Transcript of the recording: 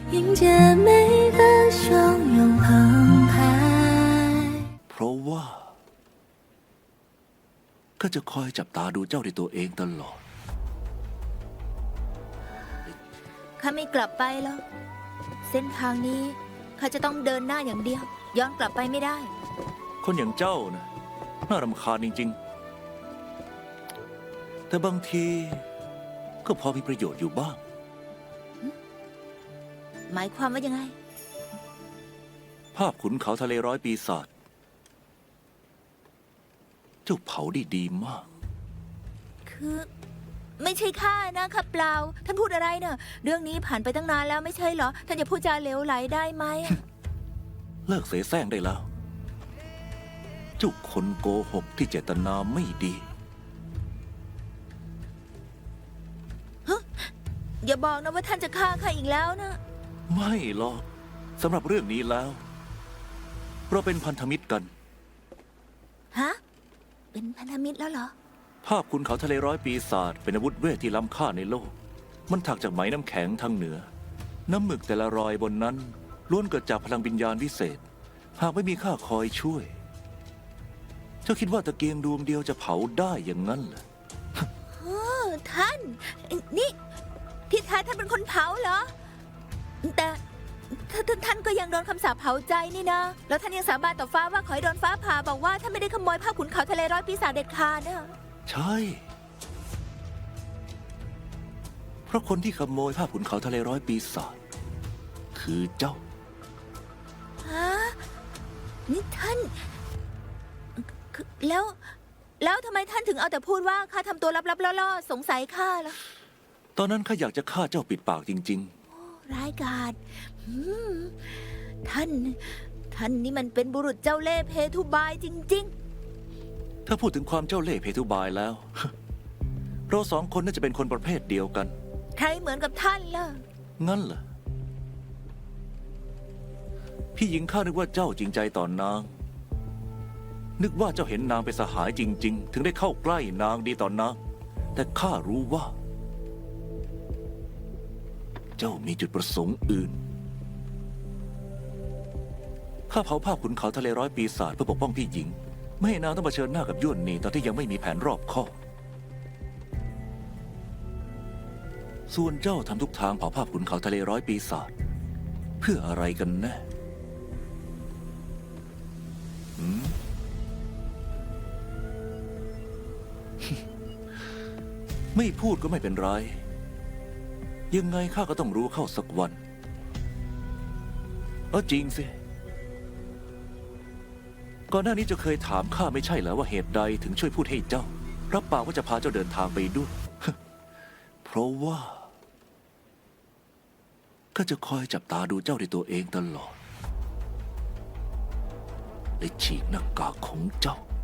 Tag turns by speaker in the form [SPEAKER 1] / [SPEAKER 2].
[SPEAKER 1] 迎接每个汹涌澎湃
[SPEAKER 2] เพราะว่าก็จะคอยจับตาดูเจ้าด้วยตัวเองตลอด
[SPEAKER 3] ข้าไม่กลับไปหรอกเส้นทางนี้ข้าจะต้องเดินหน้าอย่างเดียว ย้อนกลับไปไม่ได้
[SPEAKER 2] คนอย่างเจ้านะน่ารำคาญจริงๆ แต่บางทีก็พอมีประโยชน์อยู่บ้าง
[SPEAKER 3] หมายความว่ายังไง
[SPEAKER 2] ภาพขุนเขาทะเลร้อยปีศาจเจ้าเผาได้ดีมาก
[SPEAKER 3] คือไม่ใช่ข้านะครับเปล่า ท่านพูดอะไรเนอะเรื่องนี้ผ่านไปตั้งนานแล้วไม่ใช่เหรอ ท่านจะพูดจาเหลวไหลได้ไหมอะ
[SPEAKER 2] เลิกเสแสร้งได้แล้ว เจ้าคนโกหกที่เจตนาไม่ดี
[SPEAKER 3] อย่าบอกนะว่าท่านจะฆ่าข้าอีกแล้วนะ
[SPEAKER 2] ไม่หรอกสำหรับเรื่องนี้แล้ว เราเป็นพันธมิตรกัน
[SPEAKER 3] ฮะ เป็นพันธมิตรแล้วเหรอ
[SPEAKER 2] ภาพขุนเขาทะเลร้อยปีศาจเป็นอาวุธเวทที่ล้ำค่าในโลก มันถักจากไหมน้ำแข็งทางเหนือ น้ำหมึกแต่ละรอยบนนั้นล้วนเกิดจากพลังวิญญาณวิเศษ หากไม่มีข้าคอยช่วย เจ้าคิดว่าตะเกียงดวงเดียวจะเผาได้อย่างนั้นเหรอ
[SPEAKER 3] ท่าน นี่ที่แท้ท่านเป็นคนเผาเหรอ แต่ท่านก็ยังโดนคำสาปเผาใจนี่นะ แล้วท่านยังสาบานต่อฟ้าว่าขอให้โดนฟ้าผ่าบอกว่าท่านไม่ได้ขโมยผ้าขุนเขาทะเลร้อยปีศาจเด็ดขาดนะ
[SPEAKER 2] ใช่ เพราะคนที่ขโมยภาพขุนเขาทะเลร้อยปีศาจคือเจ้า
[SPEAKER 3] ฮะ นี่ท่านคือแล้วทำไมท่านถึงเอาแต่พูดว่าข้าทำตัวลับๆล่อๆสงสัยข้าล่ะ
[SPEAKER 2] ตอนนั้นข้าอยากจะฆ่าเจ้าปิดปากจริง
[SPEAKER 3] ร้ายกาจท่าน นี่มันเป็นบุรุษเจ้าเล่ห์เพทุบายจริง
[SPEAKER 2] ๆ ถ้าพูดถึงความเจ้าเล่ห์เพทุบายแล้ว เราสองคนน่าจะเป็นคนประเภทเดียวกัน
[SPEAKER 3] ๆ ใครเหมือนกับท่านล่ะ
[SPEAKER 2] งั้นเหรอ พี่หญิงข้านึกว่าเจ้าจริงใจต่อนาง นึกว่าเจ้าเห็นนางเป็นสหายจริง ๆ ถึงได้เข้าใกล้นางดีต่อนาง แต่ข้ารู้ว่า เจ้ามีจุดประสงค์อื่น ข้าเผาภาพขุนเขาทะเลร้อยปีศาจเพื่อปกป้องพี่หญิง ไม่ให้นางต้องเผชิญหน้ากับย่วนนีตอนที่ยังไม่มีแผนรอบคอบ ส่วนเจ้าทำทุกทางเผาภาพขุนเขาทะเลร้อยปีศาจเพื่ออะไรกันแน่หืม ไม่พูดก็ไม่เป็นไร ยังไงข้าก็ต้องรู้เข้าสักวันจริงสิ ก่อนหน้านี้เจะเคยถามข้าไม่ใช่เหรอว่าเหตุใดถึงช่วยพูดให้เจ้า รับปากว่าจะพาเจ้าเดินทางไปด้วย เพราะว่า ก็จะคอยจับตาดูเจ้าด้วยตัวเองตลอดและฉีกหน้ากากของเจ้า